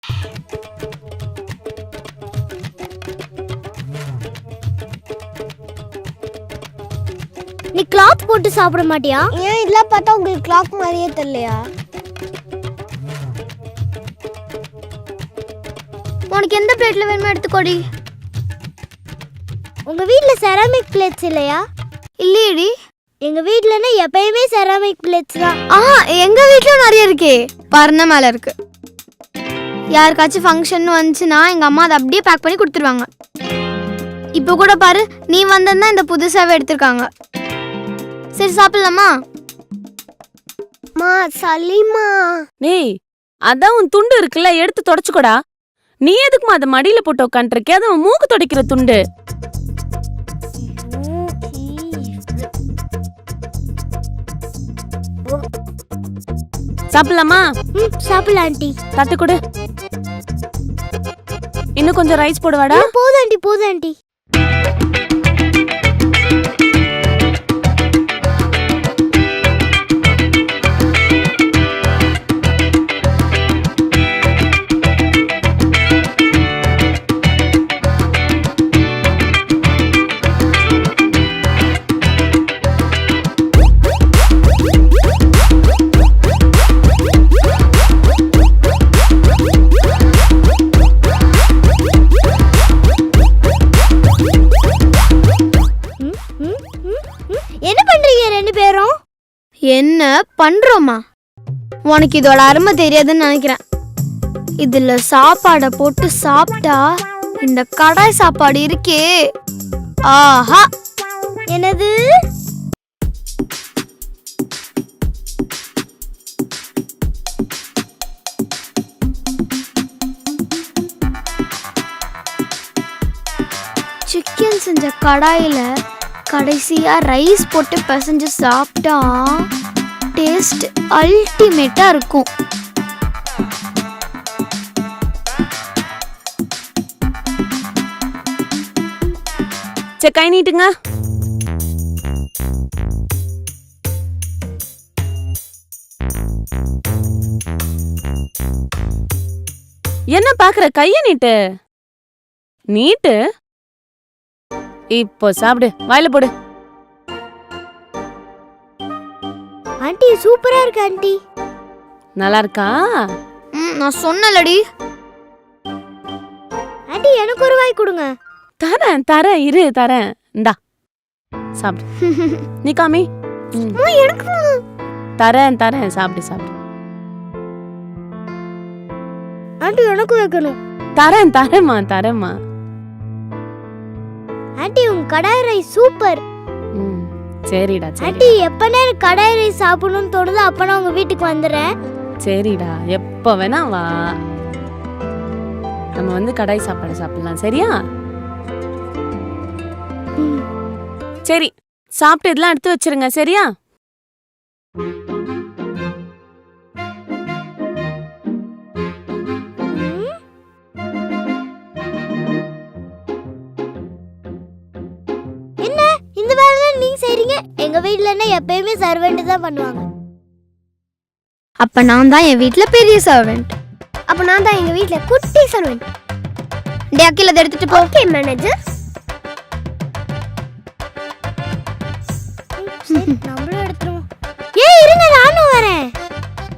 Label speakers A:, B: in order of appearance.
A: நீ கிளாக் போட்டு சாப்பிட மாட்டியா? ஏன் இதெல்லாம் பார்த்தா உங்களுக்கு கிளாக் மாதிரியே தெரியலையா? உனக்கு எந்த பிளேட்ல வேணுமோ எடுத்துக்கோடி. உங்க வீட்ல செராமிக் பிளேட்ஸ் இல்லையா? இல்லையடி. எங்க வீட்லனா எப்பயுமே செராமிக் பிளேட்ஸ் தான்.
B: எங்க வீட்ல நிறைய இருக்கே. பர்ன மேல இருக்கு. யாருக்காச்சும் ஃபங்க்ஷன் வந்துச்சுன்னா எங்க அம்மா அதை அப்படியே பேக் பண்ணி கொடுத்துருவாங்க. இப்போ கூட பாரு, நீ வந்தா இந்த புதுசாவே எடுத்திருக்காங்க. சரி சாப்பிடலாமா?
A: மா சலிமா.
C: டேய், அதான் உன் துண்டு இருக்குல்ல, எடுத்து தொடச்சுக்கோடா. நீ எதுக்குமா அதை மடியில போட்டு உட்காந்துருக்கே? அது உன் மூக்கு துடைக்கிற துண்டு. சாப்பிடலாமா?
A: சாப்பிடலாம் ஆண்டி.
C: தட்டு கொடு. இன்னும் கொஞ்சம் ரைஸ் போடுவாடா.
A: போதும் ஆண்டி, போதும் ஆண்டி. என்ன பண்றீங்க ரெண்டு பேரும்?
B: என்ன பண்றோமா? உனக்கு இதோட அருமை தெரியாதுன்னு நினைக்கிறேன். இதுல சாப்பாடை போட்டு சாப்பிட்டா இந்த கடாய் சாப்பாடு இருக்கே, ஆஹா.
A: என்னது?
B: சிக்கன் செஞ்ச கடாயில கடைசியா ரைஸ் போட்டு பிசைஞ்சு சாப்பிட்டா டேஸ்ட் அல்டிமேட்டா இருக்கும்.
C: சரி, கை நீட்டுங்க. என்ன பாக்குற? கைய நீட்டு. நீட்டு. இப்போ சாப்பிடு, வாயில போடு.
A: ஆண்டி சூப்பரா இருக்கு ஆண்டி.
C: நல்லா இருக்கா?
B: நான் சொன்னலடி.
A: ஆண்டி எனக்கு ஒரு வாய் கொடுங்க.
C: தரேன் தரேன், இரு தரேன். இந்தா சாப்பிடு. நீ காமி.
A: எனக்கு
C: தரேன் தரேன், சாப்பிடு சாப்பிடு.
A: ஆண்டி எனக்கு வைக்கணும்.
C: தரேன் தரேம்மா தரேம்மா.
A: ஆண்டி உங்க கடாய் ரைஸ் சூப்பர்.
C: சரிடா சரி.
A: ஆண்டி எப்பனே எனக்கு கடாய் ரைஸ் சாப்பிடணும்னு தோணுதோ அப்பனா உங்க வீட்டுக்கு வந்துறேன்.
C: சரிடா, எப்ப வேணா வா. நம்ம வந்து கடாய் சாப்பாடு சாப்பிடலாம், சரியா? சரி, சாப்பிட்டு இதெல்லாம் எடுத்து வச்சிருங்க, சரியா?
A: என்ன இந்த வேலையெல்லாம் நீங்க செய்றீங்க? எங்க வீட்லன்னா எப்பயுமே சர்வெண்ட் தான் பண்ணுவாங்க.
B: அப்ப நான் தான் என் வீட்ல பெரிய சர்வெண்ட்.
A: அப்ப நான் தான் எங்க வீட்ல குட்டி சர்வெண்ட்.
B: டே அகில அதை எடுத்துட்டு போ.
A: Okay manager. நான்